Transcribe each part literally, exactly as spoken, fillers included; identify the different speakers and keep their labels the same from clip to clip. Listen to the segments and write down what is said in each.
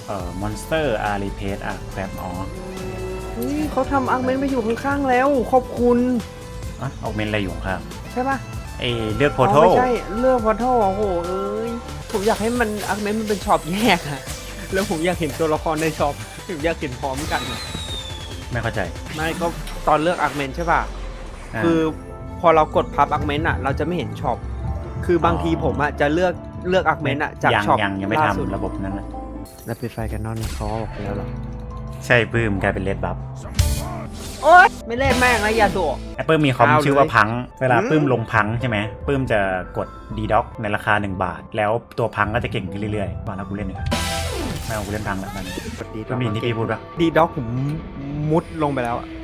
Speaker 1: เอ่อมอนสเตอร์อารีเพสอ่ะแบบอ๋อ
Speaker 2: นี่เขาทำอาร์เมนต์มาอยู่ข้างๆแล้วขอบคุณ
Speaker 1: อ่ะออกเมนอะไรอยู่ครับ
Speaker 2: ใช่ปะ
Speaker 1: ไอเลือกโพ
Speaker 2: อ๋อ
Speaker 1: โต้
Speaker 2: ไม่ใช่เลือกพอทัลโอ้โหเอ้ยผมอยากให้มันอาร์เมนต์มันเป็นช็อปแยกอะแล้วผมอยากเห็นตัวละครในช็อปผมอยากเห็นพร้อมกัน
Speaker 1: ไม่เข้าใจ
Speaker 2: ไม่ก็ตอนเลือกอาร์เมนต์ใช่ป่ะ
Speaker 1: อ่า
Speaker 2: คือพอเรากดพับอาร์เมนต์อ่ะเราจะไม่เห็นช็อปคือบางทีผมอ่ะจะเลือกเลือกอาร์เมนต์อ่ะจาก
Speaker 1: ยัง
Speaker 2: ช็อป
Speaker 1: ยังยังไม่
Speaker 2: ล่าสุด
Speaker 1: ทำระบบนั้นนะ
Speaker 2: แล้วปิดไฟกันนอนเขาออกไปแล้วหรอ
Speaker 1: ใช่ปื้มกลายเป็นเลดบัฟ
Speaker 2: โอ๊ยไม่เล่นแม่งแล้วอย่าโดด
Speaker 1: แอปเปิลมีคอม
Speaker 2: เอาเลย
Speaker 1: ชื่อว่าพัง เวลา
Speaker 2: อืม
Speaker 1: ปื้มลงพังใช่ไหมปื้มจะกดดีด็อกในราคาหนึ่งบาท แล้วตัวพังก็จะเก่งขึ้นเรื่อยๆว่าแล้วกูเล่นเนี่ยไม่เอากูเล่นพังแล้วมัน
Speaker 2: กดดี
Speaker 1: ก็มีที่พี่พูดปะ
Speaker 2: ดีด็อกผมมุดลงไปแล้วอะ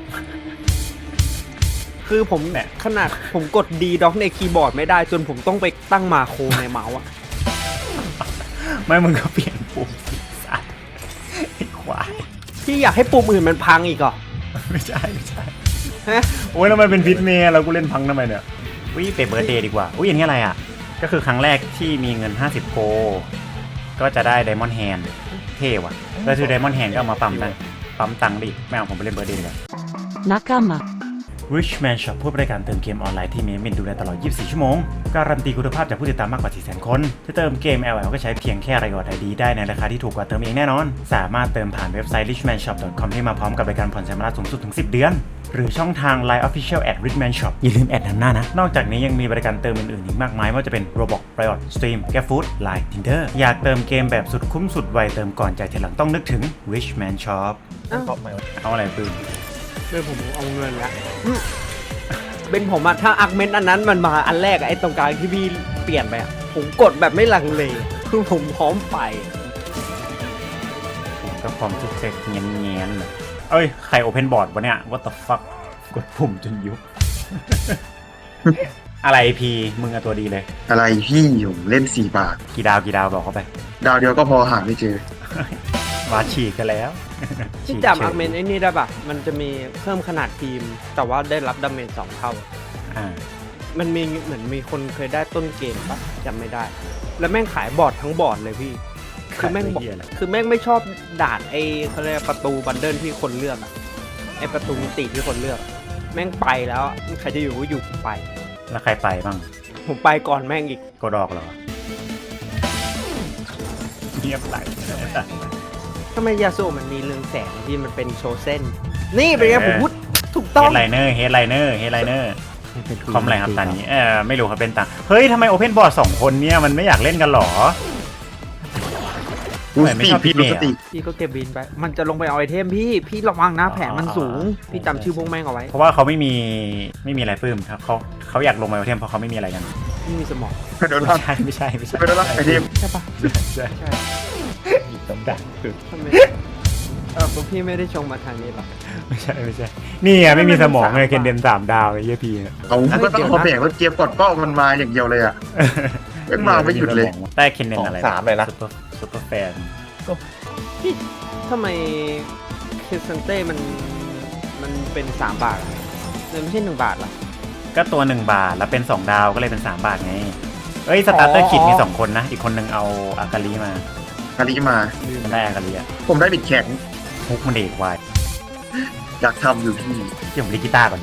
Speaker 2: คือผม
Speaker 1: เนี่ย
Speaker 2: ขนาดผมกดดีด็อกในคีย์บอร์ดไม่ได้จนผมต้องไปตั้งมาโครในเมาส์อะ
Speaker 1: ไม่มึงก็เปลี่ยนปุ่มสิสัตว์ไอ้ควาย
Speaker 2: พี่อยากให้ปุ่มอื่นมันพังอีกเหรอ
Speaker 1: ไม่ใช่ไม่ใช่
Speaker 2: ฮะ
Speaker 1: โอ้ยแล้วมันเป็นพิษเมย์แล้วกูเล่นพังทำไมเนี่ยวิไปเบิร์ดเดย์ดีกว่าอุ้ยอย่างนี้อะไรอ่ะก็คือครั้งแรกที่มีเงินห้าสิบโกก็จะได้ไดมอนด์แฮนด์เท่ว่ะแล้วคือไดมอนด์แฮนด์ก็เอามาปั๊มได้ปั๊มตังค์ดิไม่เอาผมไปเล่นเบิร์ดเดย์ดีกว่า
Speaker 3: 仲間
Speaker 1: Richman Shop ผู้บริการเติมเกมออนไลน์ที่มีมินดูแลตลอด ยี่สิบสี่ ชั่วโมง การันตีคุณภาพจากผู้ติดตามมากกว่า สี่แสน คนจะเติมเกม แอล แอล ก็ใช้เพียงแค่รายอดไอดีได้ในราคาที่ถูกกว่าเติมเองแน่นอน สามารถเติมผ่านเว็บไซต์ richman shop dot com ที่มาพร้อมกับบริการผ่อนชำระสูงสุดถึง สิบ เดือน หรือช่องทาง ไลน์ Official at richman shop อย่าลืมแอดนำหน้านะ นอกจากนี้ยังมีบริการเติมอื่นๆอีกมากมายไม่ว่าจะเป็น Roblox Riot Stream GrabFood Line Tinder อยากเติมเกมแบบสุดคุ้มสุดไวเติมก่อนจ่ายทีหลังต้องนึกถึง Richman Shop
Speaker 2: อ้าว
Speaker 1: เอาอะไรปืน
Speaker 2: เป็นผมเอาเงินละอืมเป็นผมอะถ้าอาร์เมนต์อันนั้นมันมาอันแรกอะไอ้ตรงกลางที่พี่เปลี่ยนไปอะผมกดแบบไม่ลังเลคือผมพร้อมไป
Speaker 1: ผมก็พร้อมทุกเซ็กเงี้ยเงี้ยเลยเอ้ย ใครโอเพนบอร์ดวะเนี่ย what the fuck กดปุ่มจนยุบ อะไรพีมึงอะตัวดีเลย
Speaker 4: อะไรพี่ผมเล่นสี่บาท
Speaker 1: กี่ดาวกี่ดาวบอกเขาไป
Speaker 4: ดาวเดียวก็พอหาไม่เจอ
Speaker 1: วาฉีกกันแล้ว
Speaker 2: ที่จำอาร์เมนต์ไอ้นี่ได้ปะมันจะมีเพิ่มขนาดทีม แต่ว่าได้รับดาเมจสองเท่า
Speaker 1: อ่า
Speaker 2: มันมีเหมือนมีคนเคยได้ต้นเกมปะจำไม่ได้ แล้วแม่งขายบอร์ดทั้งบอร์ดเลยพี่ คือแม่งบอก
Speaker 1: ขายเหี้ยอะไร
Speaker 2: คือแม่งไม่ชอบด่านไอ้เขาเรียกประตูบันเดิลที่คนเลือกอะไอ้ประตูมิติที่คนเลือก แม่งไปแล้วอะใครจะอยู่ก็อยู่ไป
Speaker 1: แล้วใครไปบ้าง
Speaker 2: ผมไปก่อนแม่งอีก
Speaker 1: กดออกเหรอเงียบไหล
Speaker 2: ทำไมยาสูบมันมีเรืองแสงที่มันเป็นโชว์เส้น นี่เป็นไงผมพูดถูกต้
Speaker 1: เฮ
Speaker 2: อง
Speaker 1: ดไลเนอร์เฮดไลเนอร์เฮดไลเนอร์คอมอะไรครับตอนนี้เออไม่รู้ครับเป็นตังเฮ้ยทำไมโอเพนบอร์ดสองคนเนี่ยมันไม่อยากเล่นกันหรอ
Speaker 4: ดูส
Speaker 1: ไม่
Speaker 4: ติ
Speaker 1: ชอบ
Speaker 4: พี่
Speaker 1: พี่
Speaker 4: ดู
Speaker 1: เมย์
Speaker 4: สติ
Speaker 2: พี่ก็เก็บบินไป มันจะลงไปเอาไอเทมพี่ พี่ระวังนะแผนมันสูง พี่จำชื่อพวกแม่งเอาไว้
Speaker 1: เพราะว่าเขาไม่มีไม่มีอะไรปื้มครับเขาเขาอยากลงมาโอเทมเพราะเขาไม่มีอะไรกัน
Speaker 2: ไม่มีสมอง
Speaker 4: โดน
Speaker 1: ไม่
Speaker 4: รับ
Speaker 1: ใช่ไม่ใช่ไม่ใช่
Speaker 4: ไปโดนรับไอเทม
Speaker 2: ใช่ปะ
Speaker 1: ใช่
Speaker 2: ใช่
Speaker 1: หยิบต้องดังสุด
Speaker 2: ทำไมเออพวกพี่ไม่ได้ชงมาทางนี้หรอ
Speaker 1: ไม่ใช่ไม่ใช่นี่ไงไม่มีสมองเลยเคนเดนสามดาวไอ้เหี้ยพีเนี่ย
Speaker 4: เอาก็ต้องเอาแบ่งว่าเกมกดเป้ามันมาอย่างเดียวเลยอ่ะไม่มาไม่หยุดเลย
Speaker 1: ได้เคนเดนอะไร
Speaker 4: สามเลยนะ
Speaker 1: ซุปเปอร์ซุปเปอร์แฟน
Speaker 2: พี่ทำไมเคสเซนเต้มันมันเป็นสามบาทอะมันไม่ใช่หนึ่งบาทเหรอ
Speaker 1: ก็ตัวหนึ่งบาทแล้วเป็นสองดาวก็เลยเป็นสามบาทไงเอ้ยสตาร์เตอร์คิดมีสองคนนะอีกคนนึงเอาอากาลีมา
Speaker 4: คาริมา
Speaker 1: มันได้อากาลีอะ
Speaker 4: ผมได้บิดแข็ง
Speaker 1: ฮุกมันเด็กวาย
Speaker 4: อยากทำอยู่พี่
Speaker 1: ที่ผมเล่นกีตาร์ก่อน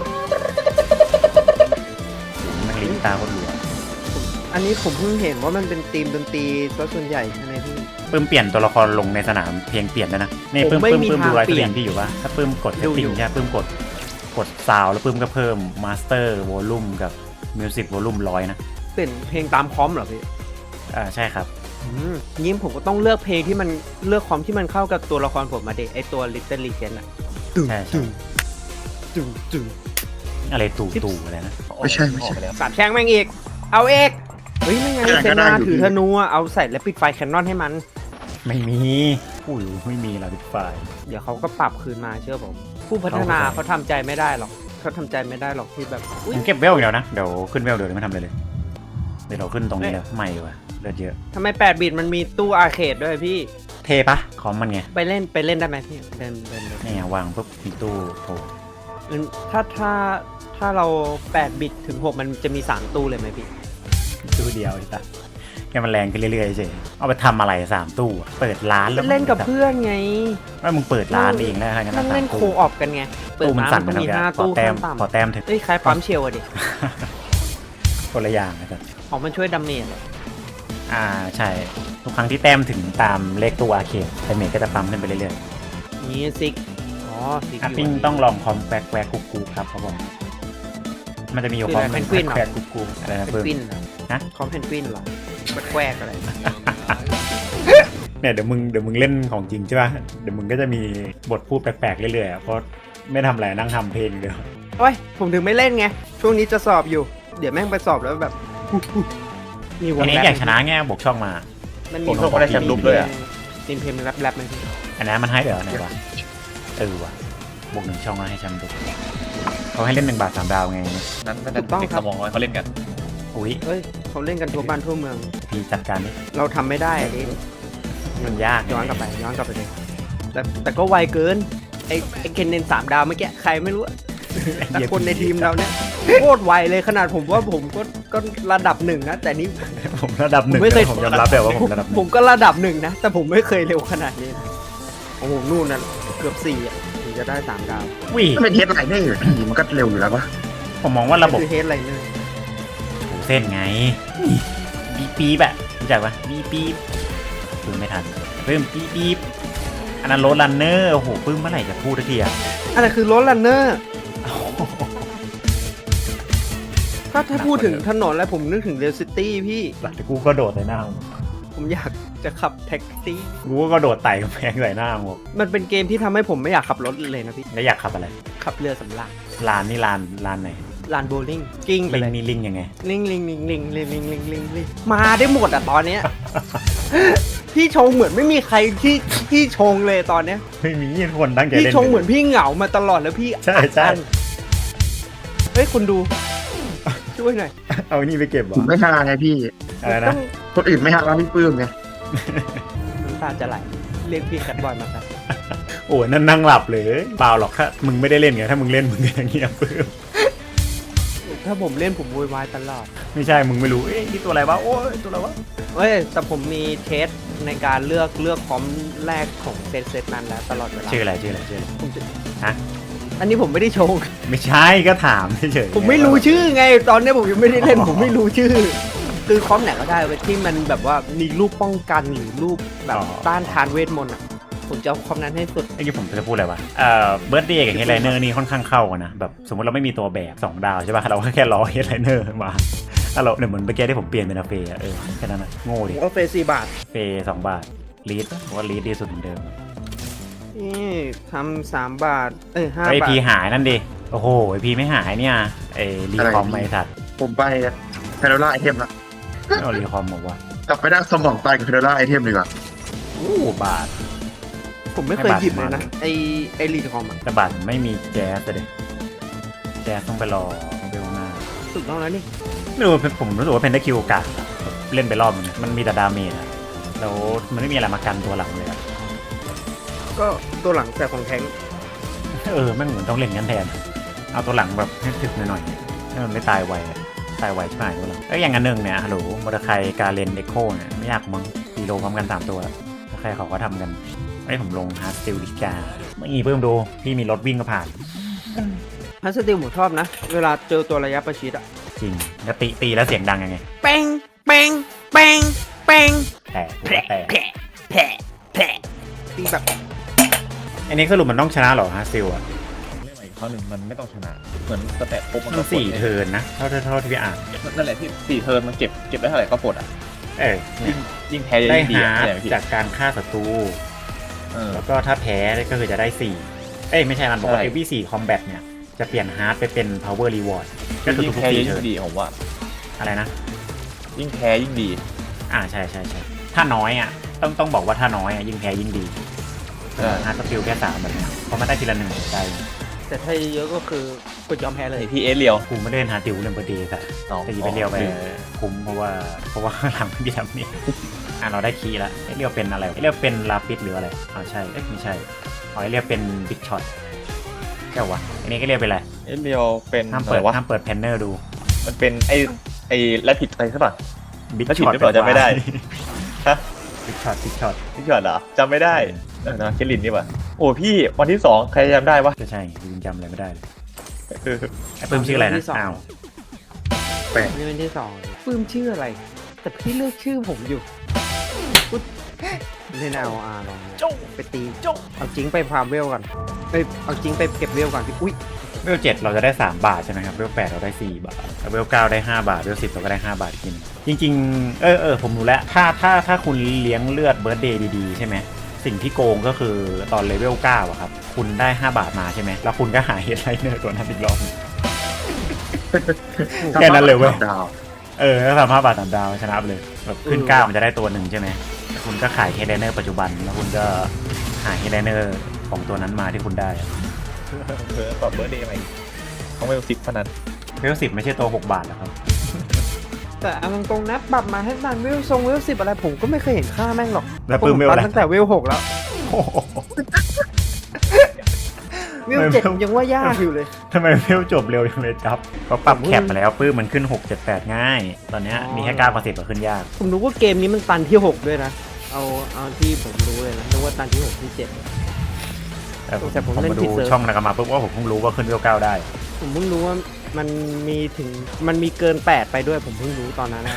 Speaker 1: มันเล่นกีตาร์คนเดียว
Speaker 2: อันนี้ผมเพิ่งเห็นว่ามันเป็นธีมดนตรีซะส่วนใหญ่ใช่ไหมพี่
Speaker 1: ปื้มเปลี่ยนตัวละครลงในสนามเพลงเปลี่ยนด้วยนะนี่
Speaker 2: ผม
Speaker 1: ปื้ม
Speaker 2: ไม่
Speaker 1: ปื้ม
Speaker 2: มี
Speaker 1: ปื้ม
Speaker 2: ทาง
Speaker 1: ดูไลฟ์ส
Speaker 2: เป
Speaker 1: ต
Speaker 2: ลี่
Speaker 1: รี
Speaker 2: ยน
Speaker 1: มพี่อยู่ว่าถ้าปื้มกดเซ
Speaker 2: ดู
Speaker 1: ตติ้
Speaker 2: อยู่
Speaker 1: งใช่ปื้มกดกดซาวแล้วปื้มก็เพิ่มมาสเตอร์วอลลุ่มกับมิวสิกวอลลุ่มร้อยนะ
Speaker 2: เปลี่ยนเพลงตามคอมเหรอพี่
Speaker 1: อ่าใช่ครับ
Speaker 2: อืมยิ้มผมก็ต้องเลือกเพลงที่มันเลือกคอมที่มันเข้ากับตัวละครผมมาเด็ไอตัว Little Legend อะตึง
Speaker 1: ใช่ใช่
Speaker 2: ตึงตึงตึง
Speaker 1: อะไรตู่ตู่อะไรนะ
Speaker 4: ไม่ใช่ไม่ใช่
Speaker 2: สามแช่งแม่งอีก เอาเอกเฮ้ยไม่ไง
Speaker 4: แข่ง
Speaker 2: เซ
Speaker 4: ก็ได้
Speaker 2: นา
Speaker 4: อยู่
Speaker 2: ถือ
Speaker 4: พี่
Speaker 2: ธนูอะเอาใส่และปิดไฟแคนนอนให้มัน
Speaker 1: ไม่มีอุ้ยไม่มีเราดิฟาย
Speaker 2: เดี๋ยวเขาก็ปรับคืนมาเชื่อผม ผู้พัฒนา
Speaker 1: เขา
Speaker 2: เขาทำใจไม่ได้หรอกเขาทำใจไม่ได้หรอกที่แบบอุ๊ย
Speaker 1: ผมเก็บเวลอย่างเดียวนะเดี๋ยวขึ้นเวลเดี๋ยวไม่ทำอะไรเลยเดี๋ยวเราขึ้นตรงนี้เลยไม่ว่ะเลือดเยอะ
Speaker 2: ทำไมแปดบิตมันมีตู้อาร์เคดด้วยพี่
Speaker 1: เทปะคอมมันไง
Speaker 2: ไปเล่นไปเล่นได้ไหมพี่เล่นเล่นเล่น
Speaker 1: นี่ไงวางปุ๊บมีตู้โผล่
Speaker 2: งั้นถ้าถ้าถ้าเราแปดบิตถึงหกมันจะมีสามตู้เลยไหมพี่
Speaker 1: ตู้เดียวไอ้ตาให้มันแรงขึ้นเรื่อยๆเฉยเอาไปทำอะไรสามตู้อะเปิดร้านแล้ว
Speaker 2: เล่นกับเพื่อนไง
Speaker 1: ว่ามึงเปิดร้านเองแล้วงั้น
Speaker 2: นั่งเล่น
Speaker 1: สาม
Speaker 2: โค
Speaker 1: ตู้
Speaker 2: ออฟกันไงเปิด
Speaker 1: ตู้มัน
Speaker 2: ร้าน
Speaker 1: สั่น
Speaker 2: มัน
Speaker 1: ไป
Speaker 2: ก็มี
Speaker 1: แล้ว
Speaker 2: ห้า
Speaker 1: ขอ
Speaker 2: ตู้
Speaker 1: แต้ม
Speaker 2: ขั้น
Speaker 1: ขอ
Speaker 2: ต่ำ
Speaker 1: แต้มเถอะ
Speaker 2: เอ้ยคล้ายปั๊มเชลอะดิ
Speaker 1: คนละอย่างนะครับ
Speaker 2: ของมันช่วยดาเมจเหรอ
Speaker 1: อ่าใช่ทุกครั้งที่แต้มถึงตามเลขตัวอาร์เคดไดเมจก็จะปั๊มขึ้นไปเรื่อย
Speaker 2: นี่ซิกอ๋อซิก
Speaker 1: ๆอัพ
Speaker 2: อยู่
Speaker 1: ปิ้งต้องลองคอมแควกแควกกุ๊กกุ๊กครับเขาบอกมันจะมีอยู่คอมแควกแควกกุ๊กกุ๊กอะไรนะ
Speaker 2: เพน
Speaker 1: เพิ่ม
Speaker 2: กวินเหรอ
Speaker 1: ฮะ
Speaker 2: คอมเพนกวินเหรอแควกๆอะไร
Speaker 1: เนี่ยเดี๋ยวมึงเดี๋ยวมึงเล่นของจริงใช่ป่ะเดี๋ยวมึงก็จะมีบทพูดแปลกๆเรื่อยๆอะเพราะไม่ทำอะไรนั่งทำเพลงเดียว
Speaker 2: โอ้ยผมถึงไม่เล่นไง ช่วงนี้จะสอบอยู่ เดี๋ยวแม่งไปสอบแล้วแบบ มีว
Speaker 1: อั
Speaker 2: ง
Speaker 1: นนี้
Speaker 2: แรป
Speaker 1: อยากชนะแง่บวกช่องมา
Speaker 2: มัน
Speaker 4: ผ
Speaker 2: มี
Speaker 4: มส่งมาได้แชมป์ลุกเลยอ่ะ
Speaker 2: ทีมเพลงแรปแรปไหมพี่
Speaker 1: อันนั้นมันให้เดี๋ยวไหนวะเออวะบวกหนึ่งช่องแล้วให้แชมป์ดูเขาให้เล่นหนึ่งบาทสามดาวไง
Speaker 3: นั้นนั่นเด็กสมองน้อยเขาเล่นกัน
Speaker 1: อุ้ย
Speaker 2: เฮ้ยเขาเล่นกันทั่วบ้านทั่วเมือง
Speaker 1: พี่จัดการนี่
Speaker 2: เราทำไม่ได้อะดิ
Speaker 1: มันยาก
Speaker 2: ย้อนกลับไปย้อนกลับไปเลยแต่แต่ก็ไวเกินไอ้ไอ้เคนเนนสามดาวเมื่อกี้ใครไม่รู้อะแต่คนในทีมเราเนี่ยโคตรไวเลยขนาดผมว่าผมก็ก็ระดับหนึ่งนะแต่นี่
Speaker 1: ผมระดับหนึ่ง
Speaker 2: ผมไม่เคย
Speaker 1: ผมยอมรับแบบว่าผมระดับห
Speaker 2: ผ
Speaker 1: นึ่ง
Speaker 2: มก็ระดับหนึ่งนะ แต่ผมไม่เคยเร็วขนาดนี้นะโอ้โหนู่นนะเกือบสี่อ่ะถึงจะได้สามดาว
Speaker 1: วิ
Speaker 4: ถ้าเป็นเฮดไลน์ได้อยู่พี่มันก็เร็วอยู่แล้วปะ
Speaker 1: ผมมองว่าระบบ
Speaker 2: คือเฮดไรเนอร์
Speaker 1: เส้นไงบีปีบอะรู้จักปะบีปีบปื้มไม่ทันปื้มปีปีบอันนั้นโรดรันเนอร์โอ้โหปื้มเมื่อไหร่จะพูดทักทีอะ
Speaker 2: อะไรคือรถลันเนอร์ถ้าถ้าพูดถึงถนนแล้วผมนึกถึงเรลซิตี้พี่
Speaker 1: หลังจากกูก็โดดใส่หน้ามึง
Speaker 2: ผมอยากจะขับแท็กซี่
Speaker 1: กูก็โดดไต่กำแพงใส่หน้ามึง
Speaker 2: มันเป็นเกมที่ทำให้ผมไม่อยากขับรถเลยนะพี่
Speaker 1: แล้วอยากขับอะไร
Speaker 2: ขับเรือสำราญ
Speaker 1: ลานนี่ลานลานไหน
Speaker 2: ลานโบว์ลิ่งกิ้งไป
Speaker 1: ลิง
Speaker 2: เลย
Speaker 1: นี่ลิงยังไง
Speaker 2: ลิงลิงลิงลิงลิงลิงลิงลิงลิงมาได้หมดอ่ะตอนเนี้ย พี่ชงเหมือนไม่มีใครที่ที่ชงเลยตอนเนี้ย
Speaker 1: ไม่มีคนตั้งใจ
Speaker 2: พี่
Speaker 1: เล่น
Speaker 2: ชงเหมือนพี่เหงามาตลอดแล้วพี่
Speaker 1: ใช่ใช่
Speaker 2: อัดอั้นเฮ้ยคุณดู ช่วยหน่อย
Speaker 1: เอานี่ไปเก็บเหร
Speaker 4: ผ
Speaker 1: อ
Speaker 4: มไม่ฮาไงพี่
Speaker 1: อะไร
Speaker 2: ต้
Speaker 1: นะ
Speaker 2: อง
Speaker 4: คนอื่นไม่ฮาแล้วพี่ปื้มไง
Speaker 2: น้ำตาจะไหลเรียกพี่แคทบอยมาครับ
Speaker 1: โอ้ยนั่นนั่งหลับเลยเปล่าหรอกถ้ามึงไม่ได้เล่นไงถ้ามึงเล่นมึงก็อย่างเงี้ยปื้ม
Speaker 2: ถ้าผมเล่นผมโวยวายตลอด
Speaker 1: ไม่ใช่มึงไม่รู้เอ๊ะนี่ตัวอะไรวะโอ้ยตัวอะไรวะ
Speaker 2: เฮ้ยแต่ผมมีเทสในการเลือกเลือกคอมแรกของเซตเซตนั้นแล้วตลอดเวลา
Speaker 1: ชื่ออะไรชื่ออะไรชื่ออะไร
Speaker 2: ผมจะ
Speaker 1: ฮะ
Speaker 2: อันนี้ผมไม่ได้ชง
Speaker 1: ไม่ใช่ก็ถามเฉยๆ
Speaker 2: ผมไม่รู้ชื่อไง ตอนนี้ผมยังไม่ได้เล่น ผมไม่รู้ชื่อ คือคอมไหนก็ได้เว้ยที่มันแบบว่ามีรูปป้องกันหรือรูปแบบต้านทานเวทมนต์อ่ะ ผมจะเอาคอมนั้นให้สุด
Speaker 1: ไอ้ที่ผมจะพูดอะไรวะเอ่อเบิร์ดเดย์กับเฮดไลเนอร์นี่ค่อนข้างเข้ากันนะแบบสมมติเราไม่มีตัวแบบสองดาวใช่ป่ะเราก็แค่รอเฮดไลเนอร์มาถ้าเราเนี่ยเหมือนเมื่อกี้ที่ผมเปลี่ยนเป็นอาเฟย์อะเออแค่นั้นนะโง่
Speaker 2: ผ
Speaker 1: ดิ
Speaker 2: มก็เฟซสี่บาท
Speaker 1: เฟย์สองบาทลีดผมว่าลีดดีสุดเหมือนเดิม
Speaker 2: นี่ทำสามบาท เอ้ยห้า
Speaker 1: ไอบ
Speaker 2: าท
Speaker 1: พีหายนั่นดิโอ้โหไอพีไม่หายเนี่ยไอรีคอมไอสัตว์
Speaker 4: ผมไปเพโดล่าไอเทมละ
Speaker 1: เอารีคอมบอกว่าก
Speaker 4: ลับไปนั่งสมองตายกับเพโดล่าไอเทมดีกว่า
Speaker 1: โอ้บาท
Speaker 2: ผมไม่เคย
Speaker 1: ให้บาท
Speaker 2: หยิบเลยนะ
Speaker 1: มา
Speaker 2: ไอไอรีคอมอ่ะ
Speaker 1: แต่บาทไม่มีแจ๊สเลยแจ๊สต้องไปรอเบลหน้า
Speaker 2: ถูกต้องแล้วนี่
Speaker 1: ไม่รู้ผมรู้สึกว่าเพนได้คิวกาดอะเล่นไปรอบนึงมันมีแต่ดาเมจอะแล้วมันไม่มีอะไรมากันตัวหลังเลยอะ
Speaker 2: ก็ตัวหลังแต่ของแท้ง
Speaker 1: เออแม่งเหมือนต้องเล่นงั้นแทน เอาตัวหลังแบบให้ถึกหน่อยๆให้มันไม่ตายไวอะตายไวใช่ไหมตัวหลังแล้วอย่างอันหนึ่งเนี่ยฮัลโหลมอเตอร์ไซค์การเลนเอ็กโคเนี่ยไม่ยากมั้งตีโลพร้อมกันสามตัวแล้วใครเขาก็ทำกันไอ้ผมลงฮาร์ดสติลดิกาเมื่อกี้เพิ่มดูพี่มีรถวิ่งก็ผ่าน
Speaker 2: ฮัสติลผมชอบนะ เวลาเจอตัวระยะประชิดอะ
Speaker 1: จริงแล้วตีตีแล้วเสียงดังยังไง
Speaker 2: เป้งเป้งเป้งเป้ง
Speaker 1: แต่กูว่าแต่
Speaker 2: แผลแผลแผลตีแบบ
Speaker 1: อันนี้สรุปมันต้องชนะเหรอฮาร์ดสติลอะ
Speaker 3: เรื่องใหม่ข้อหนึ่งมันไม่ต้องชนะ เหมือนสแตทปุ๊บมัน
Speaker 1: มัน
Speaker 3: ก็
Speaker 1: สี่
Speaker 3: ปลด
Speaker 1: เทิร์นนะเท่าเท่าเท่าที่พี่อ่าน
Speaker 3: นั่นแหละที่สี่เทิร์นมันเก็บเก็บได้เท่าไหร่ก็ปลดอ่ะ
Speaker 1: เออเนี่
Speaker 3: ยิ่
Speaker 1: ย
Speaker 3: งยิ่งแพ้
Speaker 1: ได้
Speaker 3: ยิ่งดี
Speaker 1: ฮา
Speaker 3: อะ
Speaker 1: ร์
Speaker 3: อะไร
Speaker 1: ด
Speaker 3: พี่
Speaker 1: จากการฆ่าศัตรู
Speaker 3: เออ
Speaker 1: แล้วก็ถ้าแพ้ก็คือจะได้สี่เอ้ยไม่ใช่มันบอกว่า
Speaker 3: ใช่
Speaker 1: every สี่ combat เนี่ยจะเปลี่ยนฮาร์ดไปเป็น power reward ก็คือ
Speaker 3: ยิ่ง
Speaker 1: ทุก
Speaker 3: แพ้
Speaker 1: ๆสี่
Speaker 3: ยิ่ง
Speaker 1: เทิร์น
Speaker 3: ดีผมว่า
Speaker 1: อะไรนะ
Speaker 3: ยิ่งแพ้ยิ่งดี
Speaker 1: อ่าใช่ใช่ใช่ถ้าน้อยอ่ะต้องต้องบอกว่าถ้าน้อยอ่ะยิ่งแพ้ยิ่งดี
Speaker 3: ใช่
Speaker 1: ฮาร์ดสกิลแค่สามแบบเนี้ยเพราะมันได้ทีละหนึ่งหัวใจ
Speaker 2: แต่ถ้าเยอะก็คือกดยอมแพ้เลย
Speaker 3: ไอพีเอสเรียว
Speaker 1: กูไม่ได้เล่นฮาร์ดติวเล่นเบอร์เดย์แต่
Speaker 3: อ๋อ
Speaker 1: แต่ยีไปเรียวไปคุ้มเพราะว่าเพราะว่าข้างหลังไม่มีทำนี่อ่ะเราได้คีย์แล้วไอ้เรียวเป็นอะไรไอ้เรียวเป็นลาปิดหรืออะไรอ๋อใช่เอ๊ะไม่ใช่อ๋อไอ้เรียวเป็นบิ๊กช็อตแค่วะอันนี้ก็เรียกเป็นอะไร
Speaker 3: เอสเรียวเป็น
Speaker 1: ห้าม
Speaker 3: อะ
Speaker 1: เปิ
Speaker 3: ไร
Speaker 1: ด
Speaker 3: วะ
Speaker 1: ห้ามเปิดแพนเนอร์ดู
Speaker 3: มันเป็นไอไอแรปปิดอะไรใช่ป่ะ
Speaker 1: มบิ๊ก
Speaker 3: แล้วผิด
Speaker 1: ช็อต
Speaker 3: หรือเปล่าจำไม่ได้ฮะ
Speaker 1: บิ๊กช็อตบิ๊กช็อต
Speaker 3: พี่หยอดเหรอจำไม่ได้เออนะเคลินนี่ป่ะโอ้พี่วันที่สองใครจำได้วะ
Speaker 1: ก็ใช่ยังจำอะไรไม่ได้เลย
Speaker 3: เออ
Speaker 1: ไอ้ปื้มชื่ออะไรนะ
Speaker 2: ที่สอง
Speaker 1: อ้าว
Speaker 2: นี่เป็นที่สองปื้มชื่ออะไร แต่พี่เลือกชื่อผมอยู่อุ๊ยเล่นเอาอาลองนะไปตีเอาจริงไปฟาร์มเวลก่อนเอ้ยเอาจริงไปเก็บเวลก่อนพี่อุ้ย
Speaker 1: เวลเจ็ดเราจะได้สามบาทใช่ไหมครับเวลแปดเราได้สี่บาทเวลเก้าได้ห้าบาทเวลสิบเราก็ได้ห้าบาทกินจริงๆเออเออผมรู้แล้วถ้าถ้าถ้าคุณเลี้ยงเลือดเบิร์ดเดย์ดีๆใช่ไหมสิ่งที่โกงก็คือตอนเลเวลเก้าอะครับคุณได้ห้าบาทมาใช่ไหมแล้วคุณก็หาเฮดไลเนอร์ตัวนั้นอีกรอบนึง แค่นั้นเลยเว้ย
Speaker 4: ดาว
Speaker 1: เออถ้าสามห้าบาทสามดาวชนะไปเลยแบบขึ้นเก้ามันจะได้ตัวหนึ่งใช่ไหมแล้วคุณก็ขายเฮดไลเนอร์ปัจจุบันแล้วคุณก็หาเฮดไลเนอร์ของตัวนั้นมาที่คุณได้อะ
Speaker 3: เออตอบเบอร์เดย์ใหม่เขาไม่สิบพนัน
Speaker 1: เวลสิบไม่ใช่ตัวหกบาทนะครับ
Speaker 2: แต่เอาตรงๆนะปรับมาให้นานเวลทรงเวลสิบอะไรผมก็ไม่เคยเห็นค่าแม่งหรอก
Speaker 1: แล้วปื้มเวล
Speaker 2: ผม
Speaker 1: อะไร
Speaker 2: ตั้งแต่เวลหกแล้ว
Speaker 1: โอ้โห
Speaker 2: เวลเจ็ดยังว่ายากอยู่เลย
Speaker 1: ทำไมเวลจบเร็วจังเลยจับเขาปรับแคปมาแล้วปื้มมันขึ้นหก เจ็ด แปดง่าย ตอนเนี้ย
Speaker 2: อ๋อ
Speaker 1: มีแค่เก้ากับสิบขึ้นยาก
Speaker 2: ผมรู้ว่าเกมนี้มันตันที่หกด้วยนะ เอาเอาที่ผมรู้เลยนะนึกว่าตันที่หกที่เจ็ด
Speaker 1: แต่ผม
Speaker 2: แต่ผม
Speaker 1: ผม
Speaker 2: เล่น
Speaker 1: มา
Speaker 2: ผิ
Speaker 1: ดู
Speaker 2: ดเซิร์ฟ
Speaker 1: ช่องนากามาปุ๊บว่าผมเพิ่งรู้ว่าขึ้นเวลเก้าได้
Speaker 2: ผมเพิ่งรู้ว่ามันมีถึงมันมีเกินแปดไปด้วยผมเพิ่งรู้ตอนนั้นนะ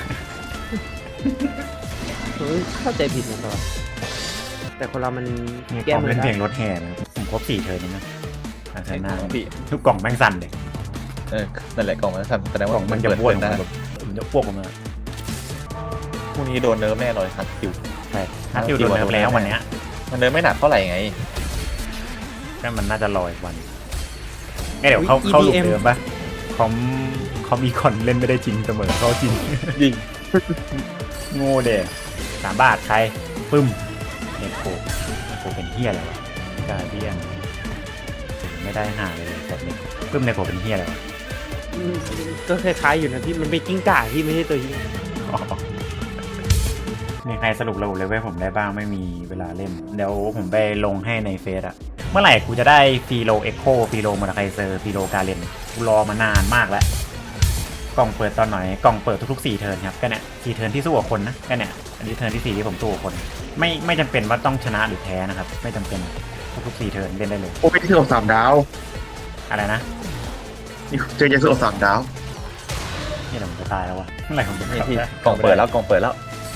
Speaker 2: ผมเข้าใจผิดมาตลอดแต่คนเรามัน
Speaker 1: นี่
Speaker 2: แก้
Speaker 1: กล่อง
Speaker 2: มือ
Speaker 1: เล่น
Speaker 2: ได้
Speaker 1: เพลงรถแห่นะผมครบสี่เทิร์นแล้วนะทางชนะ
Speaker 3: พี่
Speaker 1: ทุกกล่องแม่งสั่นเลย
Speaker 3: เออนั่นแหละกล่องมันสั่นแสดง
Speaker 1: ก
Speaker 3: ว่า
Speaker 1: ล่องมันจะ
Speaker 3: เปิด
Speaker 1: บ้วน
Speaker 3: เปิด
Speaker 1: ออก
Speaker 3: นะ
Speaker 1: มาแบบมันจะอ้วกออกมา
Speaker 3: พรุ่งนี้โดนเนิร์ฟแน่เลยครับคิว
Speaker 1: ใช่ถ้าคิวโดนเนิร์ฟแล้ววันเนี้ย
Speaker 3: มันเนิร์ฟไม่หนักเท่าไหร่ไง
Speaker 1: ก็มันน่าจะรออีกวันเอ้ยเดี๋ยวเขาเขาหลุมเดิมปะคอมคอมอีคอนเล่นไม่ได้จริงเสมอเขาจริง
Speaker 3: ยิง
Speaker 1: โง่เด็สามบาทใครปึ้มเนโคเนโคเป็นเฮียอะไรวะกาเดียนไม่ได้หาเลยแบบนี้ปึ้มเนโคเป็นเฮียอะไรวะ
Speaker 2: อืมก็คล้ายๆอยู่นะพี่มันเป็นกิ้งก่าที่ไม่ใช่ตัวที่
Speaker 1: อ๋อมีใครสรุประบบเลเวลผมได้บ้างไม่มีเวลาเล่นเดี๋ยวผมไปลงให้ในเฟซอะเมื่อไหร่กูจะได้ฟีโลเอ็กโคฟีโลมอร์ไคเซอร์ฟีโลกาเลนกูรอมานานมากแล้วกล่องเปิดตอนไหนกล่องเปิดทุกๆสี่เทิร์นครับก็เนี่ยสี่เทิร์นที่สู้กับคนนะก็เนี่ยอันนี้เทิร์นที่สี่ที่ผมสู้กับคน ไม่ไม่จำเป็นว่าต้องชนะหรือแพ้นะครับไม่จำเป็นทุกๆสี่เทิร์นเล่นได้เลย
Speaker 4: โอ้ยที่โอสามดาว
Speaker 1: อะไรนะ
Speaker 4: นี่เจอเยซูโอสามดาว
Speaker 1: นี่เราจะตายแล้ววะเมื่อไหร่ผมจะ
Speaker 3: นี่
Speaker 1: ขับ
Speaker 3: พี่
Speaker 1: ได้
Speaker 3: กล่องเปิดแล้วกล่องเปิดแล้ว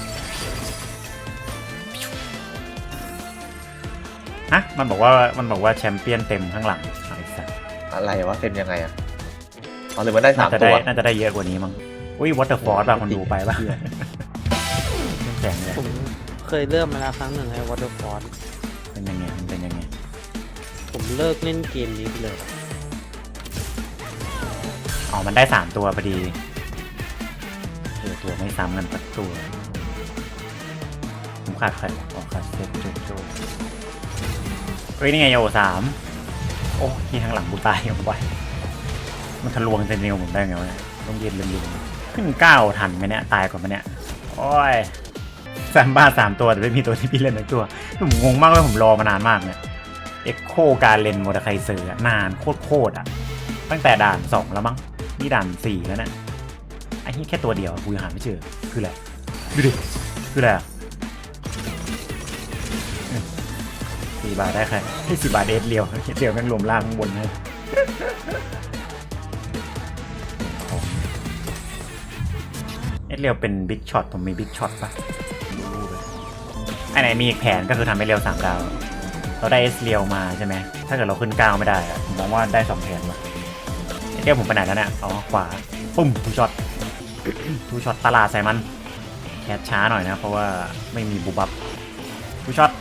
Speaker 1: ฮะมันบอกว่ามันบอกว่าแชมเปี้ยนเต็มข้างหลังไอ้สัส
Speaker 3: อะไรวะเต็มยังไงอ่ะเอาเลยมันได้สา
Speaker 1: น่าม จะ
Speaker 3: ตั
Speaker 1: ได้
Speaker 3: ว
Speaker 1: น่าจะได้เยอะกว่านี้มั้งอุ้ยวอเตอร์ฟอร์สป่ะคนดูไปป่ะแข็งเลย
Speaker 2: ผมเคยเริ่มมาแล้วครั้งหนึ่งไอ้วอเตอร์ฟอร์
Speaker 1: เป็นยังไงมันเป็นยังไง
Speaker 2: ผมเลิกเล่นเกมนี้ไปเลย
Speaker 1: อ๋อมันได้สามตัวพอดีเออตัวไม่ซ้ำกันสักตัวผมขาดใครวะอ๋อขาดเซตโจโจเฮ้ยนี่ไงโยสามโอ้ที่ข้างหลังกูตายยังไวมันทะลวงเซนเนลผมได้ไงวะเนี่ยต้องยืนลืมๆขึ้นเก้าทันไหมเนี่ยตายก่อนไหมเนี่ยโอ้ยสามบ้าสามตัวแต่ไม่มีตัวที่พี่เล่นในตัวผมงงมากเลยผมรอมานานมากเนี่ยเอ็กโคการเลนโมดาไคเซอร์นานโคตรๆอ่ะตั้งแต่ด่านสองแล้วมั้งนี่ด่านสี่แล้วเนี่ยไอ้นี่แค่ตัวเดียวกูยังหาไม่เจอคืออะไรดูดิคืออะไรอะสี่บาทได้ใครที่สี่บาทเดทเรียวเรียวแม่งรวมล่างข้างบนให้เอสเรียวเป็นบิ๊กช็อตผมมีบิ๊กช็อตปะดูเลยไอ้ไหนมีอีกแผนก็คือทำให้เรียวสามดาวเราได้เอสเรียวมาใช่ไหมถ้าเกิดเราขึ้นเก้าไม่ได้อะผมมองว่าได้สองแผนว่ะเอสเรียวผมไปไหนแล้วเนี่ยอ๋อขวาปุ้มทูช็อต ทูช็อตตลาดใส่มันแคสช้าหน่อยนะเพราะว่าไม่มีบูบับทูช็อต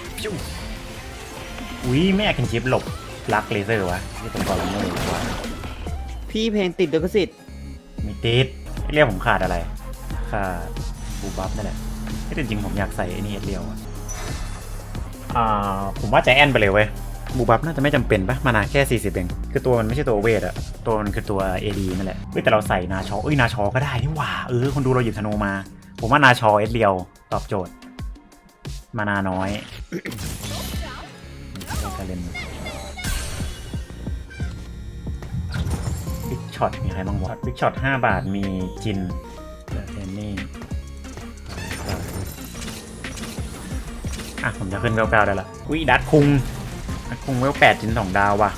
Speaker 1: อุ้ยไม่อยากกินชิปหลบลักเลเซอร์วะที่ตรงกอลัมเนอร์วะ
Speaker 2: พี่เพลงติดลิขสิทธิ์
Speaker 1: มีติดเรียกผมขาดอะไรขาดบูบับนั่นแหละที่จริงๆผมอยากใส่ไอ้นี่เรียวอะอ่าผมว่าใจแอนไปเลยเว้ยบูบับน่าจะไม่จำเป็นปะมานาแค่สี่สิบเองคือตัวมันไม่ใช่ตัวเวทอะตัวมันคือตัว เอ ดี นั่นแหละเฮ้ยแต่เราใส่นาชอเอ้ยนาชอก็ได้นี่หว่าเออคนดูเราหยิบธนูมา ผมว่านาชอเอสเรียวตอบโจทย์มานาน้อยการเล่นบิ๊กช็อตมีใครบ้างวะบิ๊กช็อตห้าบาทมีจินเดนนี่อ่ะผมจะขึ้นเวลเก้าได้ละอุ้ยดัดคุงดัดคุงเวลแปดจินสองดาวว่ะ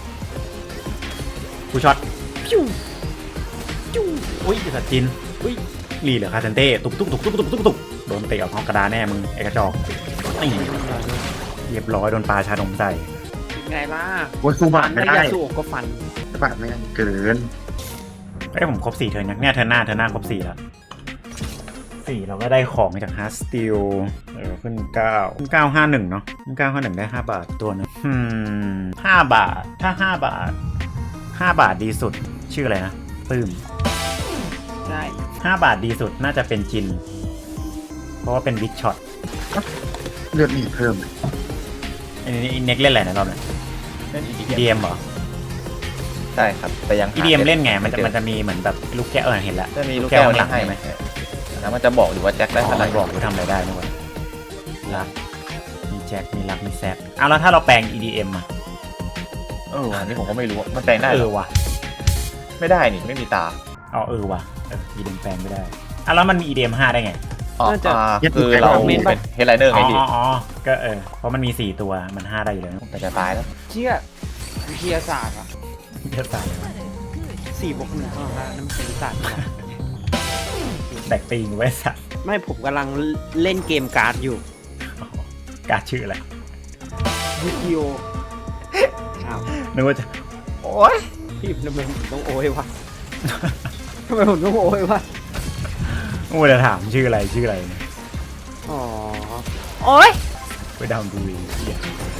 Speaker 1: กูช็อตพิ้วพิ้วอุ้ยสัตว์จินอุ้ยรีเหลือคาเซนเต้ตุกตุกตุกตุกตุกตุกตุกโดนเตะออกนอกกระดานแน่มึงไอ้กระจอกนี่เรียบร้อยโดนปลาชาดมใส่
Speaker 2: ไงล่ะ
Speaker 4: โอ้ยคูบาทไม่
Speaker 2: ถ้า
Speaker 4: ได้
Speaker 2: ยาสูบก็ฟัน
Speaker 4: คูบาทไม่ได้เกิน
Speaker 1: เอ้ยผมครบสี่เทิร์นยังเนี่ยเทิร์นหน้าเทิร์นหน้าครบสี่แล้วสี่เราก็ได้ของจากฮาร์สติลเออขึ้นเก้าขึ้นเก้าห้าหนึ่งเนาะขึ้นเก้าห้าหนึ่งได้ห้าบาทตัวหนึงอืมห้าบาทถ้าห้าบาทห้าบาทดีสุดชื่ออะไรนะปื้ม
Speaker 2: ใช่
Speaker 1: ห้าบาทดีสุดน่าจะเป็นจิน เพราะว่าเป็นบิ๊กช็อต
Speaker 4: เลือดมีเพิ่มเลย
Speaker 1: อันนี้เน็กเล่นอะไรนะรอบนี้
Speaker 3: เล่นอี
Speaker 1: อีดีเอ็มเหรอ
Speaker 3: ใช่ครับแต่ยังหา
Speaker 1: อีดีเอ็มเล่นไงมันจะ
Speaker 3: จอ
Speaker 1: มันจะมีเหมือนแบบลูกแก้วเออเห็นละ
Speaker 3: จะมีลูกแก้ว
Speaker 1: ข้างหลัง
Speaker 3: ให้
Speaker 1: ใช่ไหม
Speaker 3: แล้วมันจะบอกอยู่ว่าแจ็คได้
Speaker 1: อ๋อ
Speaker 3: เท่าไห
Speaker 1: มั
Speaker 3: ร่
Speaker 1: นบอกว่าทำอะไรได้นี่หว่ารักมีแจ็คมีรักมีแซกเอาแล้วถ้าเราแปลง อี ดี เอ็ม อ่ะ
Speaker 3: เอออันนี้ผมก็ไม่รู้ว่ามันแปลงได้
Speaker 1: เอ
Speaker 3: เหร
Speaker 1: อ
Speaker 3: อ
Speaker 1: ว่ะ
Speaker 3: ไม่ได้นี่ไม่มีตา
Speaker 1: อ๋อเออว่ะเออ อี ดี เอ็ม แปลงไม่ได้อ่ะแล้วมันมี อี ดี เอ็ม ห้าได้ไง
Speaker 3: อ๋ออ่าคือเราเป็นเฮดไลเนอร์
Speaker 1: อ๋
Speaker 3: ไง
Speaker 1: อ
Speaker 3: พี่
Speaker 1: อ๋ออ๋อก็เออเพราะมันมีสี่ตัวมันห้าได้อยู่แล้ว
Speaker 3: แต่จะตายแล้ว
Speaker 2: เชี่ยวิทยาศาสตร์อ่ะ
Speaker 1: จะตาย
Speaker 2: สี่บวกหนึ่งเท่านั้นนั่นเป็นศาสตร์
Speaker 1: แตกตีนไว้สัตว์
Speaker 2: ไม่ผมกำลังเล่นเกมการ์ดอยู่
Speaker 1: การชื่ออะไร
Speaker 2: วิดีโออ้าว
Speaker 1: นึกว่าจะโอ๊ย
Speaker 2: พี่ทำไมผมต้องโอยวะทำไมผมต้องโอยวะ
Speaker 1: โอ้ยจะถามชื่ออะไรชื่ออะไรเนี่ย
Speaker 2: อ๋อโอ้ย
Speaker 1: ไปดาวน์ดูเองเหี้ย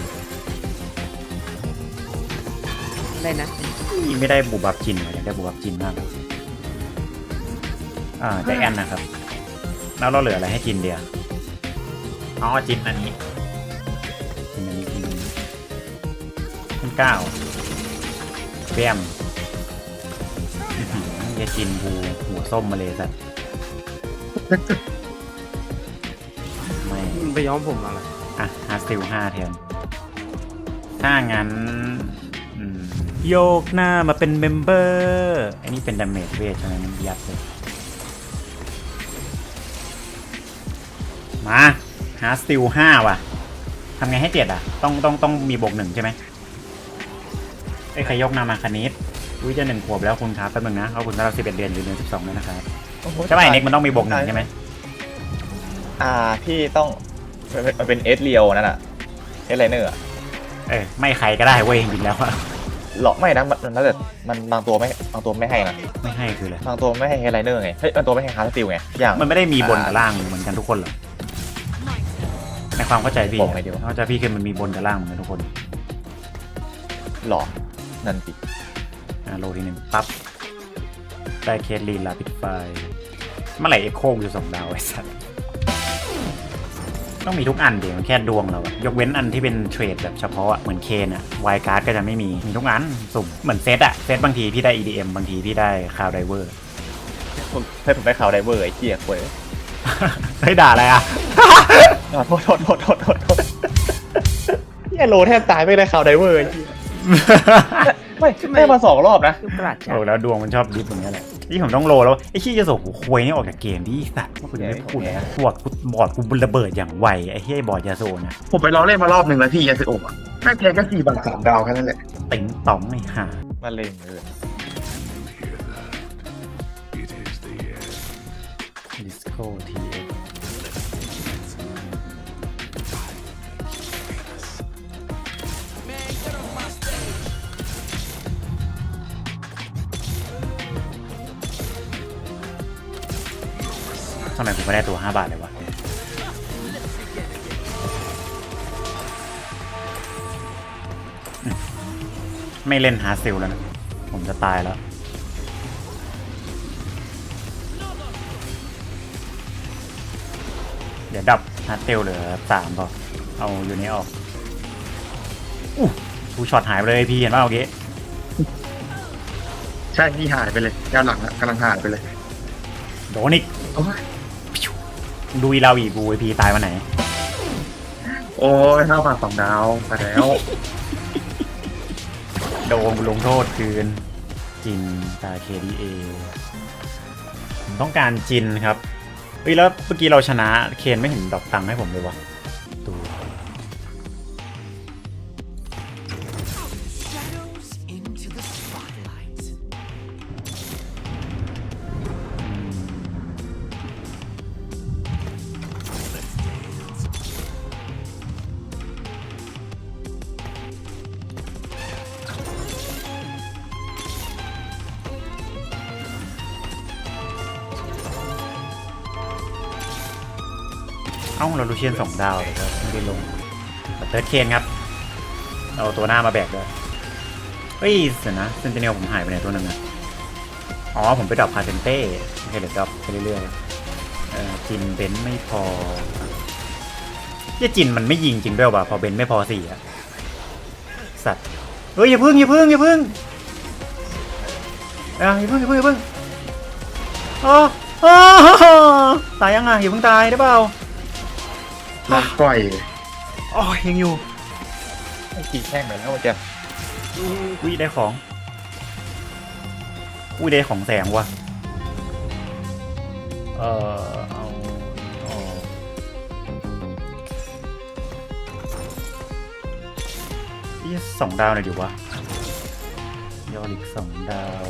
Speaker 2: อะไรนะ
Speaker 1: นี่ไม่ได้บูบับจินเลยอยากได้บูบับจินมากเลยอ่าแจ็คแอนนะครับแล้วเราเหลืออะไรให้จินเดียวอ๋อจินอันนี้จินอันนี้จินอันนี้ขึ้นเก้าเบี้ยมอื้อหือเหี้ยจินกูหัวส้มมาเลยสัตว์ไม่
Speaker 2: มันไปย้อมผมอะไร
Speaker 1: อ่ะฮาร์สติลห้าแทนถ้างั้นอืมโยกหน้ามาเป็นเมมเบอร์อันนี้เป็นดาเมจเวทใช่ไหมมันยัดเลยมาฮาร์สติลห้าว่ะทำไงให้เจ็ดอ่ะ ต้องต้องต้องมีบวกหนึ่งใช่ไหมไอ้ยใครยกหน้ามาคณิตอุ้ยจะหนึ่งขวบแล้วคุณครับแป๊บนึงนะขอบคุณสำหรับสิบเอ็ดเดือนหรือเดือนสิบสองเลยนะครับใช่ไหมเน็กมันต้องมีบวกหนึ่งใช่ไหม
Speaker 3: อ่าพี่ต้องมันเป็นเอสเรียวนั่นอะเอสไลเนอร์อะ
Speaker 1: เออไม่ใครก็ได้เว้ยจริงๆแล้วอะ
Speaker 3: หรอกไม่นะมันมันแล้วแต่มันบางตัวไม่บางตัวไม่ให้นะ
Speaker 1: ไม่ให้คืออะไร
Speaker 3: บางตัวไม่ให้เฮดไลเนอร์ไงเฮ้ยบางตัวไม่ให้ฮาร์ดสติลไงอย่าง
Speaker 1: มันไม่ได้มีบนกับล่างเหมือนกันทุกคนเหรอในความเข้าใจพี่
Speaker 3: บอกไงดีวะ
Speaker 1: เข้าใจพี่คือมันมีบนกับล่างเหมือนกันทุกคน
Speaker 3: หรอนั่นสิ
Speaker 1: อ่ะโลทีหนึ่งปั๊บได้เคสลีนลาปิดไฟเมื่อไหร่เอ็กโคอยู่สองดาวไอ้สัสต้องมีทุกอันเดี๋ยวมันแค่ดวงเราอะยกเว้นอันที่เป็นเทรดแบบเฉพาะอะเหมือนเคนอะไวการ์ดก็จะไม่มีมีทุกอันสุ่มเหมือนเซตอะเซตบางทีพี่ได้ อี ดี เอ็ม บางทีพี่ได้คาวไดเวอร์
Speaker 3: ผมให้ผมไปข่าวไดเวอร์ไอ้เจี๊ยกเว้ย
Speaker 1: เฮ้ยด่าอะไรอะ
Speaker 3: อ่ะโทษโทษโทษโทษโทษโทษเฮียโลแทบตายไม่ได้ข่าวไดเวอร์ไอ้เหี้ยไม่ได้มาสองรอบนะ
Speaker 2: ลูกกระดาษจ้ะ
Speaker 1: โอ้แล้วดวงมันชอบดิฟอย่างเงี้ยแหละที่ผมต้องโลแล้วไอ้ขี้จะส่งหัวควยนี่ออกจากเกมดิสัตว์ว่าคุณไม่พูดเลยนะบอร์ดกูบอร์ดกูระเบิดอย่างไวไอ้เหี้ยบอร์ดยาโซนะ
Speaker 4: ผมไปลองเล่นมารอบหนึ่งแล้วพี่ยาสิโอะแม่งแพ้แค่สี่บาทสามดาวแค่นั้นแหละ
Speaker 1: ติ๋งต๋องไอ้ห่า
Speaker 3: มาเล่นเลย
Speaker 1: ดิสโก้ทีเอ็กทำไมผมไม่ได้ตัวห้าบาทเลยวะอืมไม่เล่นฮาร์ดซิลแล้วนะ ผมจะตายแล้ว เดี๋ยวดับฮาร์ดเซลเหลือสามพอเอาอยู่นี้ออกอู้ทูช็อตหายไปเลยพี่เห็นว่าเมื่อกี้
Speaker 4: ใช่พี่หายไปเลยแนวหลังอะกำลังหายไปเลย
Speaker 1: โดนอีก
Speaker 4: โอ้ย
Speaker 1: ดูอีเราอีบูไอพีตายวันไหน
Speaker 4: โอ้ยห้าบาทสองดาวมาแล้ว
Speaker 1: โดนลงโทษคืน จินตา เค ดี เอ ผมต้องการจินครับเฮ้ยแล้วเมื่อกี้เราชนะเคนไม่เห็นดอกตังค์ให้ผมเลยวะตัวาเราลูเชียนสองดาวเลยครับไม่ได้ลงเติร์ดเคนครับเอาตัวหน้ามาแบกด้วยเฮ้ยเดี๋ยวนะเซนติเนลผมหายไปไหนตัวหนึ่งอะอ๋อผมไปดรอปพาเซนเต้โอเคเดี๋ยวดรอปไปเรื่อยๆเออจินเบนไม่พอเหี้ยจินมันไม่ยิงจริงด้วยว่ะพอเบนไม่พอสี่อะสัตว์เฮ้ยอย่าพึ่งอย่าพึ่งอย่าพึ่งเอ้ยอย่าพึ่งอย่าพึ่งอย่าพึ่งอ๋ออ๋อตายยังไงอย่าเพิ่งตายได้เปล่า
Speaker 4: ลองปล่อย
Speaker 1: อ๋อยังอยู่
Speaker 3: ไอ้กี่แท่งไปแล้วเจ้า
Speaker 1: อุ้ยได้ของอุ้ยได้ของแสงว่ะเออเอาเอาอีสองดาวหน่อยดิวะยอริกสองดาว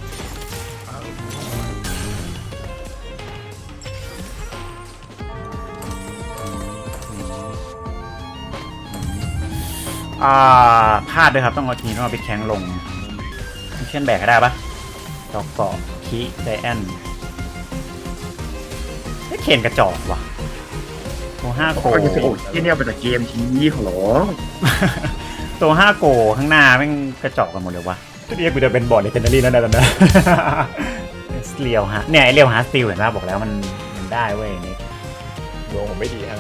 Speaker 1: อ่าพลาดด้วยครับต้องเอาทีนี้ต้องเอาไปแข้งลงเช่นแบกให้ได้ปะดอกเกาะคีไดแอนไอ้เคนกระจอกว่ะตัวห้าโก
Speaker 4: ก็จะโอ้ยที่เนี่ยเป็นแต่เกมทีขอร้อง
Speaker 1: ตัวห้าโกข้างหน้าแม่งกระจอกกันหมดเลยวะเรียกกูจะเป็นบอร์ดเลเจนดารี่แล้วนะตอนนี้เรียวฮะเนี่ยไอเรียวฮาร์สติลเห็นป่ะบอกแล้วมันมันได้เว้ยนี่
Speaker 3: ดวงผมไม่ดีฮะ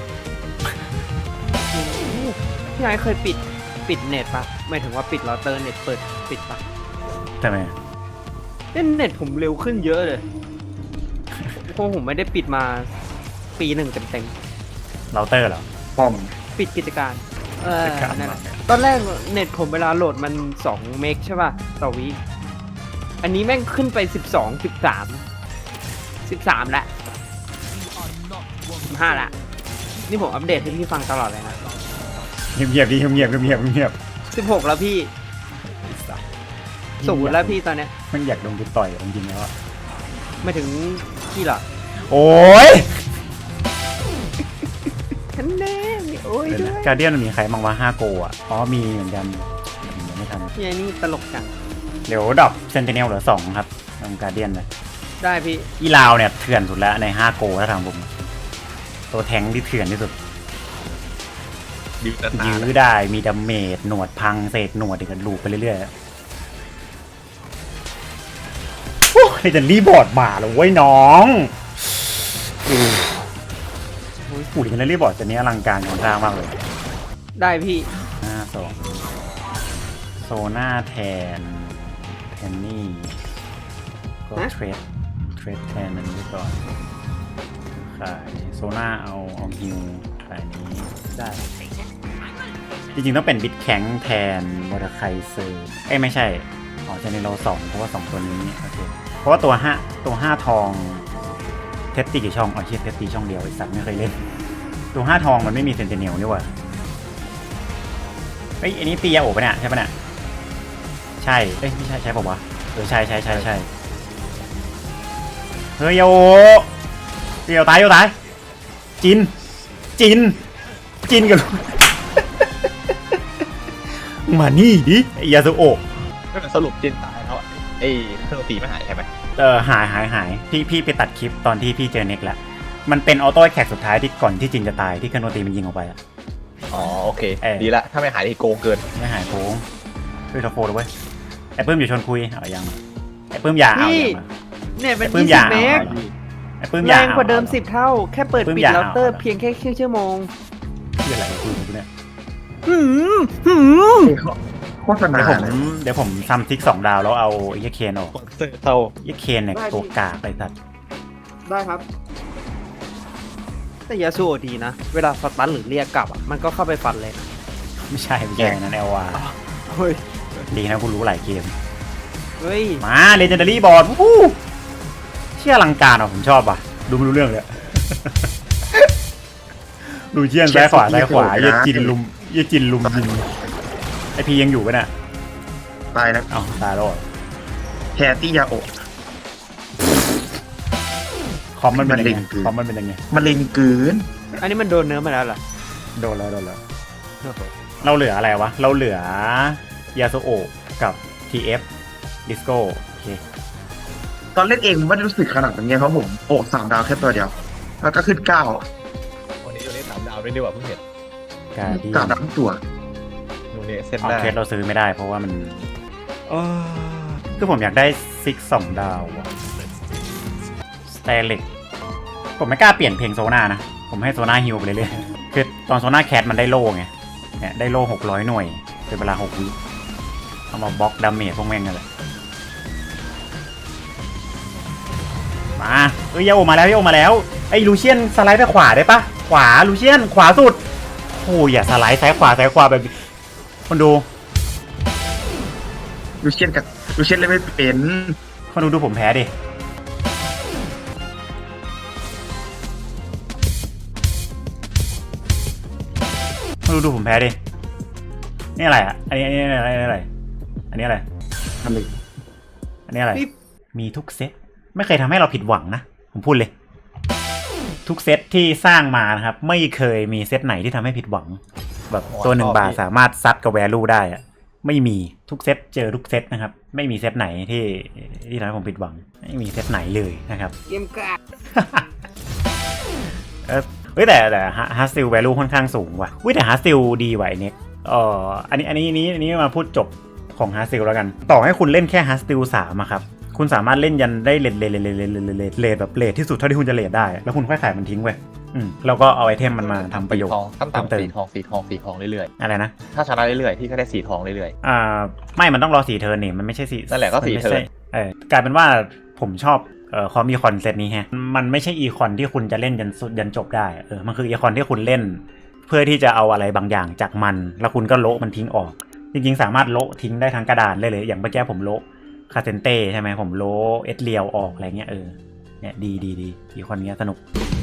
Speaker 2: พี่ไอ้เคยปิดปิดเน็ตปะหมายถึงว่าปิดเราเตอร์เน็ตเปิดปิดปะ
Speaker 1: ทำไม
Speaker 2: เล่นเน็ตผมเร็วขึ้นเยอะเลยเพราะผมไม่ได้ปิดมาปีหนึ่งเต็ม
Speaker 1: เราเตอร์เหรอ
Speaker 4: ป้อม
Speaker 2: ๆปิดกิจการเออ
Speaker 1: กิจการ
Speaker 2: นั่นแหละตอนแรกเน็ตผมเวลาโหลดมันสองเมกใช่ป่ะต่อวิอันนี้แม่งขึ้นไปสิบสอง สิบสาม สิบสามละสิบห้าละนี่ผมอัปเดตให้พี่ฟังตลอดเลยนะ
Speaker 1: เงียบๆดิเงียบๆเงียบๆเงียบ
Speaker 2: สิบหกแล้วพี่
Speaker 1: ๆ
Speaker 2: ศูนย์แล้วพี่ตอนเนี้ย
Speaker 1: มันอยากลงทุนต่อยจริงๆแล้วอะ
Speaker 2: ไม่ถึงพี่เหรอ
Speaker 1: โอ้ย
Speaker 2: ฉันแน่มีโอ้ยด้วย
Speaker 1: การเดียนมันมีใครบ้างวะห้าโกอ่ะอ๋อมีเหมือนกันยังไม่ทัน
Speaker 2: พี่ไอ้นี่ตลกจัง
Speaker 1: เดี๋ยวดับเซนติเนลเหลือสองครับทางการเดียนเลย
Speaker 2: ได้พี่
Speaker 1: อีลาวเนี่ยเถื่อนสุดแล้วในห้าโกถ้าทางผมตัวแทงค์ที่เถื่อนที่สุด
Speaker 3: ดีแต่ตา
Speaker 1: ยื้อได้มีดาเมจหนวดพังเศษหนวดอีกกันลูปไปเรื่อยๆโอ้ยจะรีบอร์ดมาแล้วเว้ยน้องอู้หูดิกันรีบอร์ดจะนี้อลังการของทางมากเลย
Speaker 2: ได้พี่
Speaker 1: หน้าสองโซน่าแทนแทนนี่ก็เทรดเทรดแทนนั้นไปก่อนขายโซน่าเอาเอาฮิวขายนี้
Speaker 2: ได้
Speaker 1: จริงๆต้องเป็นบิดแข็งแทนมอเตอร์ไคเซอร์เอ้ยไม่ใช่อ๋อจะในเราสองเพราะว่าสองตัวนี้โอเคเพราะว่าตัวห้าตัวห้าทองเทสตีกี่ช่องอ๋อเชียเทสตีช่องเดียวไอสัตว์ไม่เคยเล่นตัวห้าทองมันไม่มีเซนติเนลนี่หว่าเอ้ยอันนี้ตียาโอบปะเนี่ยใช่ปะเนี่ยใช่เอ้ยไม่ใช่ใช่ป่าววะเออใช่ใช่ใช่ใช่เฮ้ยยาโอเดี๋ยวตายเดี๋ยวตายจินจินจินกัน มานี่ดิไอ้ยาสุโอะ
Speaker 3: สรุปจินตายแล้วอะไอ้เครื่องตีไม่หายใช่ไหม
Speaker 1: เออหายหายหายพี่พี่ไปตัดคลิปตอนที่พี่เจอเน็กแล้วมันเป็นออโต้แท็กสุดท้ายที่ก่อนที่จินจะตายที่คานโนตีมันยิงออกไปอะ
Speaker 3: อ๋อโอเค
Speaker 1: เออ
Speaker 3: ดีละถ้าไม่หายที่โกงเกิน
Speaker 1: ไม่หายโค้งช่วยทอโฟด้วยเว้ยไอ้ปื้มอยู่ชวนคุยเอายังไอ้ปื้มอยาเอา
Speaker 2: พี่
Speaker 1: ยังอะ
Speaker 2: เน็ตเป็น
Speaker 1: ไอ้ปื้ม
Speaker 2: ยี่
Speaker 1: อ
Speaker 2: สิ
Speaker 1: ย่า
Speaker 2: บเมก
Speaker 1: ไอ้ปื้มอ
Speaker 2: แร
Speaker 1: ยาง
Speaker 2: กว่าเดิมสิบเท่า แค่เปิด
Speaker 1: ปื้ม
Speaker 2: ปิด
Speaker 1: อย่า
Speaker 2: เราเตอร์
Speaker 1: เอา
Speaker 2: เพียงแค่ครึ่งชั่วโมง
Speaker 1: เพื่ออะไรคุยกับกูเนี่ย
Speaker 2: หืมหืม
Speaker 4: โฆษณา
Speaker 1: เดี๋ยวผม
Speaker 4: เลย
Speaker 1: เดี๋ยวผมซัมซิกสองดาวแล้วเอาไอ้เหี้ยเคนออก
Speaker 3: สปอนเซอร์เท่า
Speaker 1: ไอ้เคนเนี่ยตัวกากไปสัตว์
Speaker 2: ได้ครับ แต่ยาสูโอดีนะ เวลาสตันหรือเรียกกลับอ่ะ มันก็เข้าไปฟันเลยนะ
Speaker 1: ไม่ใช่ไม่ใช่นั่นเอลวา
Speaker 2: เฮ้ย
Speaker 1: ดีนะกูรู้หลายเกม
Speaker 2: เฮ้ย
Speaker 1: มาเลเจนดารี่บอร์ดวู้เชี่ยอลังการอ่ะผมชอบอ่ะดูไม่รู้เรื่องเลย ดูเชี่ยนซ้ายขวาซ้ายขวาเยี่ยจินลุมเยี่ยจินลุมยิงไอพียังอยู่ปะเนี่ย
Speaker 4: ตายแล้ว
Speaker 1: เอ้าตายแล้วเหรอ
Speaker 4: แทนที่ยาโอะ
Speaker 1: คอมมันเป็นยัง
Speaker 4: มันเล็
Speaker 1: ไง
Speaker 4: งคือ
Speaker 1: คอมมันเป็นยังไง
Speaker 4: มันเล็งเกิน
Speaker 2: อันนี้มันโดนเนื้อมาแล้วเหรอ
Speaker 1: โดนแล้วโดนแล้วเราเหลืออะไรวะเราเหลือยาโซโอะกับ ที เอฟ Disco โอเค
Speaker 4: ตอนเล่นเองไม่ได้รู้สึกขนาดนั้นไงเพราะผมโอะสามดาวแค่ตัวเดียว แล้วก็ขึ้นเก้า
Speaker 3: โอ้ยไม่ดีกว่าเพิ่งเห็น
Speaker 1: กาดี
Speaker 4: กาดทั้งตัว
Speaker 3: นูเนสเส้น
Speaker 1: เอา
Speaker 3: ได้
Speaker 1: เคสเราซื้อไม่ได้เพราะว่ามันเออคือผมอยากได้ซิกสองดาวสเตเล็กผมไม่กล้าเปลี่ยนเพลงโซนานะ ผมให้โซนาฮิวไปเรื่อยๆคือตอนโซนาแคทมันได้โล่ไงเนี่ยได้โล่หกร้อยหน่วยเป็นเวลาหกวิเอามาบล็อกดาเมจพวกแม่งกันเลยมาเอ้ยโยมาแล้วโยมาแล้วไอ้ลูเชียนสไลด์ไปขวาได้ปะขวาลูเชียนขวาสุดโอ้ยอย่าสไลด์ซ้ายขวาซ้ายขวาแบบคนดู
Speaker 4: ลูเชียนกับลูเชียนเล่นไม่เป็น
Speaker 1: คนดูดูผมแพ้ดิคนดูดูผมแพ้ดินี่อะไรอ่ะอันนี้อันนี้อะไรอันนี้อะไรอันนี้อะไร
Speaker 4: ทำดิ
Speaker 1: อันนี้อะไร
Speaker 2: นี่
Speaker 1: มีทุกเซตไม่เคยทำให้เราผิดหวังนะผมพูดเลย ทุกเซตที่สร้างมานะครับไม่เคยมีเซตไหนที่ทำให้ผิดหวัง แบบตัวหนึ่งบาทสามารถซัดกับแวลูได้อะไม่มีทุกเซตเจอทุกเซตนะครับไม่มีเซตไหนที่ที่ทำให้ผมผิดหวังไม่มีเซตไหนเลยนะครับ
Speaker 2: เกมกาก
Speaker 1: เออเฮ้ยแต่แต่ฮาร์สติลแวลูค่อนข้างสูงว่ะเฮ้ยแต่ฮาร์สติลดีว่ะไอ้เน็กเอ่ออันนี้อันนี้นี้อันนี้มาพูดจบของฮาร์สติลแล้วกันต่อให้คุณเล่นแค่ฮาร์สติลสามอะครับคุณสามารถเล่นยันได้เลทเลทเลทเลทเลทเลทเลทแบบเลทที่สุดเท่าที่คุณจะเลทได้แล้วคุณค่อยขายมันทิ้งไว้อืมแล้วก็เอาไอเทมมันมาทำประโยชน์
Speaker 3: ทองตั้ง
Speaker 1: เพิ่มเติ
Speaker 3: ต่ำ
Speaker 1: ม
Speaker 3: สีทองสีทองสีทองเรื่อย
Speaker 1: อะไรนะ
Speaker 3: ๆถ้าชนะเรื่อยๆพี่ก็ได้สีทองเรื่อย
Speaker 1: อ่าไม่มันต้องรอสี่เทิร์นนี่มันไม่ใช่สี่
Speaker 3: นั่นแหละก็สี่
Speaker 1: มัไม่ใช่
Speaker 3: เทิร์น
Speaker 1: เออกลายเป็นว่าผมชอบเอ่อคอมอีคอนเซตนี้แฮะมันไม่ใช่อีคอนที่คุณจะเล่นยันสุดยันจบได้เออมันคืออีคอนที่คุณเล่น เพื่อที่จะเอาอะไรบางอย่างจากมัน แล้วคุณก็โละมันทิ้งออก จริงๆสามารถโละทิ้งได้ทั้งกระดานเลยเลยอย่างเมื่อกี้ผมโละคาเซนเต้ใช่ไหมผมโละเอสเรียวออกอะไรเงี้ยเออเนี่ยดีดีดีอีคอนเนี้ยสนุก